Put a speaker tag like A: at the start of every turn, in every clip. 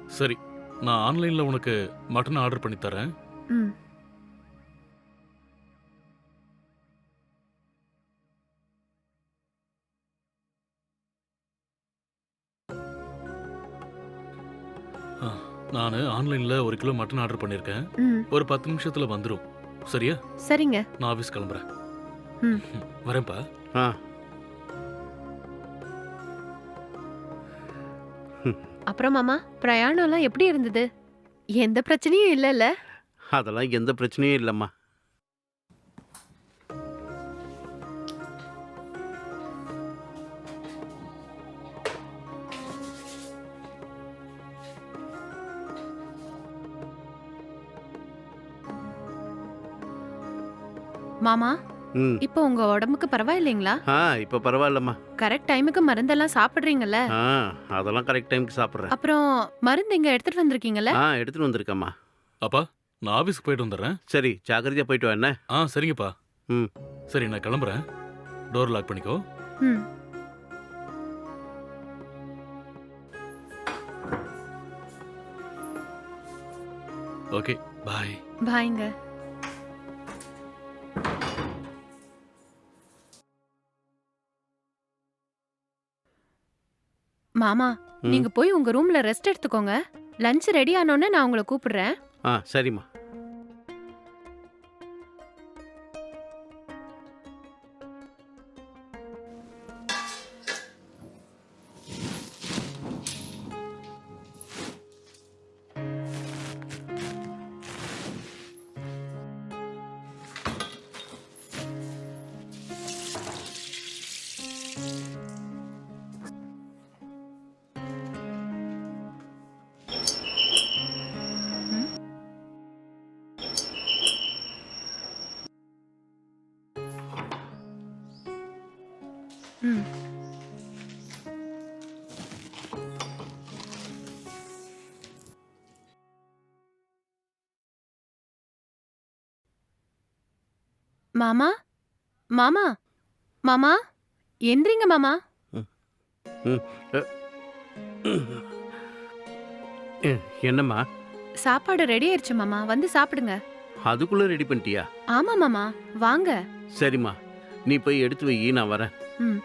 A: சரி, நான் ஆன்லைன்ல உனக்கு மட்டன் ஆர்டர் பண்ணி தரேன்.
B: ம்.
A: ஆ, நானு ஆன்லைன்ல 1 கிலோ மட்டன் ஆர்டர் பண்ணியிருக்கேன்.
B: ம்.
A: ஒரு 10 நிமிஷத்துல வந்துரும். சரியா?
B: சரிங்க.
A: நான் ஆஃபீஸ் கிளம்புறேன்.
B: ம்.
A: வரேன்ப்பா.
C: ஆ.
B: அப்புறம் மாமா, பிரயாணம்லாம் எப்படி இருந்தது? எந்த பிரச்சனையும் இல்லல்ல?
C: அதெல்லாம் எந்த பிரச்சனையும் இல்லம்மா.
B: மாமா,
C: ம்.
B: இப்போ உங்க உடம்புக்கு பரவாயில்லைங்களா?
C: இப்ப பரவாயில்லம்மா.
B: கரெக்ட் டைமுக்கு மருந்தெல்லாம் சாப்பிடுறீங்கல்ல?
C: ஆ அதெல்லாம் கரெக்ட் டைம்க்கு சாப்பிடுறேன்.
B: அப்புறம் மருந்து இங்க எடுத்துட்டு வந்திருக்கீங்கல்ல?
C: எடுத்துட்டு வந்திருக்கேம்மா.
A: அப்பா, நான் ஆஃபீஸ்க்கு போயிட்டு வந்துடுறேன்.
C: சரி, ஜாக்கிரதையா போயிட்டு வா என்ன?
A: சரிங்கப்பா.
C: ம்.
A: சரி, நான் கிளம்புறேன். டோர் லாக் பண்ணிக்கோ.
B: ம்.
A: Okay, bye.
B: பாய்ங்க. மாமா,
C: ம்.
B: நீங்க போய் உங்க ரூம்ல ரெஸ்ட் எடுத்துக்கோங்க. லஞ்ச் ரெடி ஆனோனே நான் உங்களை கூப்பிடுறேன்.
C: சரிம்மா.
B: ம். மாமா, மாமா, மாமா, எந்திரிங்க மாமா.
C: ம். ம். அ, என்னம்மா?
B: சாப்பாடு ரெடி ஆயிருச்சு மாமா, வந்து சாப்பிடுங்க.
C: அதுக்குள்ள ரெடி பண்ணிட்டியா?
B: ஆமா மாமா, வாங்க.
C: சரிம்மா, நீ போய் எடுத்து வை, நான் வரேன்.
B: ம்.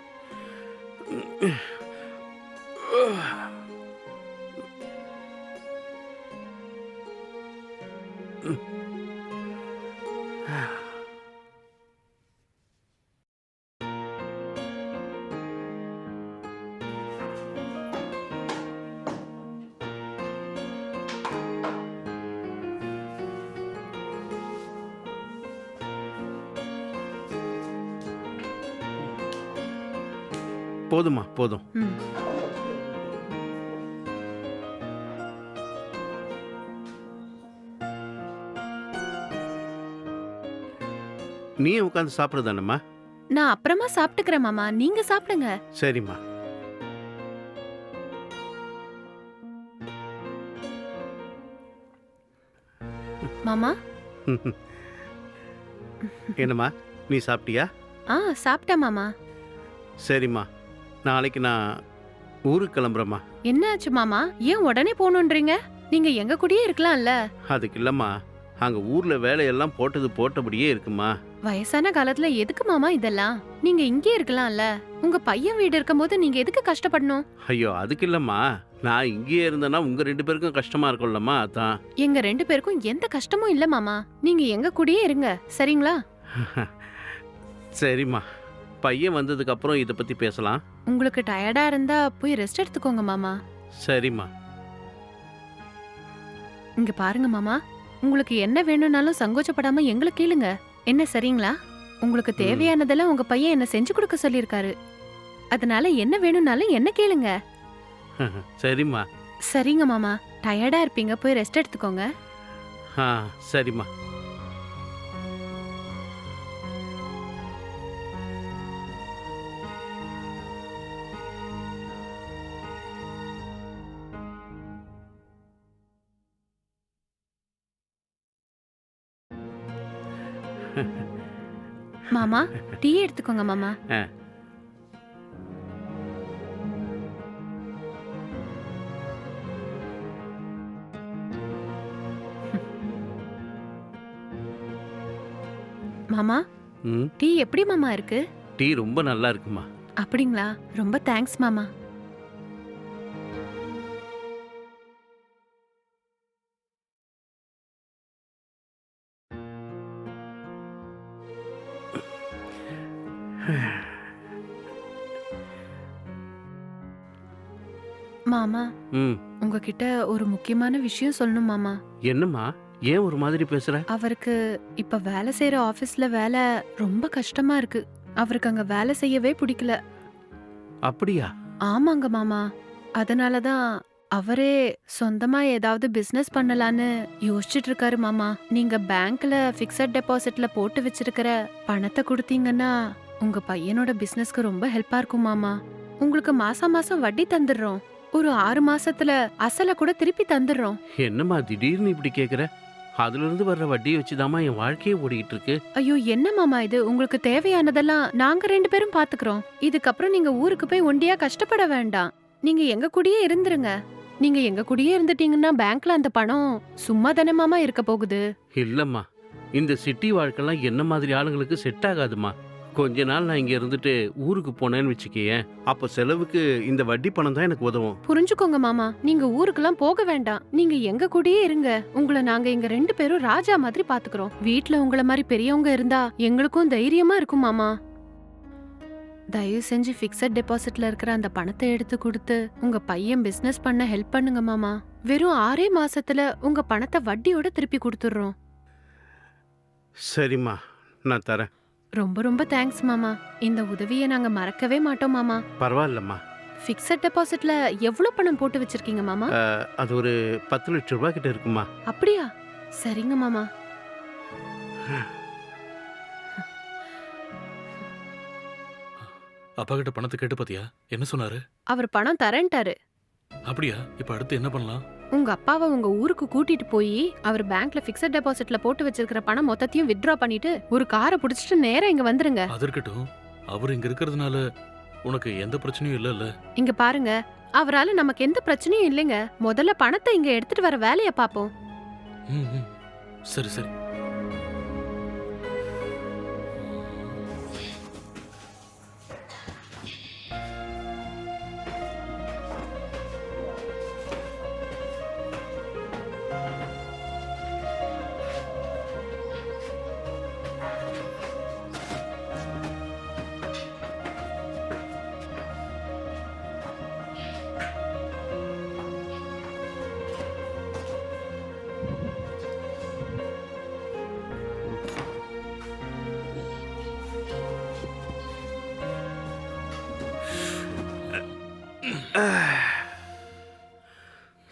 C: போதும்மா, போதும்.
B: ம்.
C: நீ உட்காந்து சாப்பிடுதானம்மா?
B: நான் அப்புறமா சாப்பிட்டுக்கிறேன் மாமா, நீங்க சாப்பிடுங்க.
C: சரிம்மா.
B: மாமா.
C: என்னம்மா, நீ சாப்பிட்டியா?
B: சாப்பிட்டேன் மாமா.
C: சரிம்மா, நாளைக்கு நான் ஊருக்கு கிளம்புறேம்மா.
B: என்ன ஆச்சு மாமா, ஏன் உடனே போகணுன்றீங்க? நீங்க எங்க கூடயே இருக்கலாம்ல?
C: அதுக்கு இல்லம்மா, அங்க ஊர்ல வேலையெல்லாம் போட்டது போட்டபடியே இருக்குமா.
B: வயசான காலத்துல எதுக்கு மாமா இதெல்லாம்? நீங்க இங்கே இருக்கலாம்ல? உங்க பையன் வீடு இருக்கும்போது நீங்க எதுக்கு கஷ்டப்படணும்?
C: ஐயோ, அதுக்கு இல்லம்மா, நான் இங்கேயே இருந்தேன்னா உங்க 2 பேருக்கும் கஷ்டமா இருக்கும்லம்மா, அதான்.
B: எங்க 2 பேருக்கும் எந்த கஷ்டமும் இல்ல மாமா. நீங்க எங்க கூடயே இருங்க, சரிங்களா?
C: சரிம்மா, பையன் வந்ததுக்கு அப்புறம் இதை பத்தி பேசலாம்.
B: உங்களுக்கு டயர்டா இருந்தா போய் ரெஸ்ட் எடுத்துக்கோங்க மாமா.
C: சரிம்மா.
B: இங்க பாருங்க மாமா, உங்களுக்கு என்ன வேணும்னாலும் சங்கோச்சப்படாம எங்களை கேளுங்க. என்ன சரிங்களா? உங்களுக்கு தேவையானதெல்லாம் உங்க பையன் என்ன செஞ்சு கொடுக்க சொல்லிருக்காரு. அதனால என்ன வேணும்னாலும் என்ன கேளுங்க.
C: சரிம்மா.
B: சரிங்க மாமா, டயர்டா இருப்பீங்க, போய் ரெஸ்ட் எடுத்துக்கோங்க.
C: சரிம்மா.
B: மாமா, டீ எடுத்துக்கோங்க மாமா. மாமா
C: ம்
B: டீ எப்படி மாமா இருக்கு?
C: டீ ரொம்ப நல்லா இருக்குமா.
B: அப்படிங்களா? ரொம்ப தேங்க்ஸ் மாமா. மாமா
C: ம்
B: உங்ககிட்ட ஒரு முக்கியமான விஷயம் சொல்லணும் மாமா.
C: என்னம்மா, ஏன் ஒரு மாதிரி பேசுற?
B: அவருக்கு இப்ப வேலை செய்யற ஆபீஸ்ல வேலை ரொம்ப கஷ்டமா இருக்கு. அவருக்கு அங்க வேலை செய்யவே பிடிக்கல.
C: அப்படியா?
B: ஆமாங்க மாமா. அதனாலதான் அவரே சொந்தமா ஏதாவது பிசினஸ் பண்ணலான்னு யோசிச்சுட்டு இருக்காரு மாமா. நீங்க பேங்க்ல பிக்ஸட் டெபாசிட்ல போட்டு வச்சிருக்கிற பணத்தை கொடுத்தீங்கன்னா உங்க பையனோட பிசினஸ்க்கு ரொம்ப ஹெல்ப்பா இருக்கும் மாமா. உங்களுக்கு மாசம் மாசம் வட்டி தந்துடுறோம். ஒரு 6 மாசத்துல அசல கூட திருப்பி தந்துடுறோம்.
C: என்னம்மா திடீர்னு இப்படி கேக்குற? அதுல இருந்து வர்ற வட்டியை வச்சுதாம்மா என் வாழ்க்கையே ஓடிக்கிட்டு இருக்கு.
B: ஐயோ என்ன மாமா இது? உங்களுக்கு தேவையானதெல்லாம் நாங்க 2 பேரும் பாத்துக்கிறோம். இதுக்கப்புறம் நீங்க ஊருக்கு போய் ஒண்டியா கஷ்டப்பட வேண்டாம். நீங்க எங்க கூடயே இருந்துருங்க. நீங்க எங்க கூடயே இருந்துட்டீங்கன்னா பேங்க்ல அந்த பணம் சும்மா தானே மாமா இருக்க போகுது.
C: இல்லம்மா, இந்த சிட்டி வாழ்க்கைலாம் என்ன மாதிரி ஆளுங்களுக்கு செட் ஆகாதுமா. கொஞ்ச நாள் நான் இங்க இருந்துட்டு ஊருக்கு போனேன்னு வச்சுக்கேன், அப்ப செலவுக்கு இந்த வட்டி பணம் தான் எனக்கு உதவும்.
B: புரிஞ்சுக்கோங்க மாமா. நீங்க ஊருக்குலாம் போக வேண்டாம். நீங்க எங்க கூடயே இருங்க. உங்களை நாங்க இங்க 2 பேரும் ராஜா மாதிரி பாத்துக்கிறோம். வீட்ல உங்கள மாதிரி பெரியவங்க இருந்தா எங்களுக்கும் தைரியமா இருக்கும் மாமா. தயவு செஞ்சு பிக்ஸட் டெபாசிட்ல இருக்கிற அந்த பணத்தை எடுத்து கொடுத்து உங்க பையன் பிசினஸ் பண்ண ஹெல்ப் பண்ணுங்க மாமா. வெறும் 6 மாசத்துல உங்க பணத்தை வட்டியோட திருப்பி கொடுத்துடுறோம்.
C: சரிம்மா, நான் தரேன்.
B: ரொம்ப ரொம்ப தேங்க்ஸ் மாமா. இந்த உதவியை நாங்க மறக்கவே மாட்டோம் மாமா.
C: பரவாயில்லம்மா.
B: பிக்ஸட் டெபாசிட்ல எவ்வளவு பணம் போட்டு வச்சிருக்கீங்க மாமா?
C: அது ஒரு 10 லட்சம் ரூபாய் கிட்ட இருக்குமா.
B: அப்படியா? சரிங்க மாமா.
A: அப்பா கிட்ட பணத்தை கேட்டு பாத்தியா? என்ன சொன்னாரு?
B: அவர் பணம் தரேன்ட்டாரு.
A: அப்படியா? இப்ப அடுத்து என்ன பண்ணலாம்?
B: உங்க அப்பாவை உங்க ஊருக்கு கூட்டிட்டு போய் அவர் பேங்க்ல பிக்ஸட் டெபாசிட்ல போட்டு வச்சிருக்கிற பணம் மொத்தத்தையும் வித்ட்ரா பண்ணிட்டு ஒரு காரை புடிச்சிட்டு நேரா இங்க வந்துருங்க.
A: அது இருக்கட்டும், அவர் இங்க இருக்கிறதுனால உனக்கு எந்த பிரச்சனையும் இல்லைல்ல?
B: இங்க பாருங்க, அவரால நமக்கு எந்த பிரச்சனையும் இல்லைங்க. முதல்ல பணத்தை இங்க எடுத்துட்டு வர வேலைய பாப்போம்.
A: ம், ம். சரி சரி.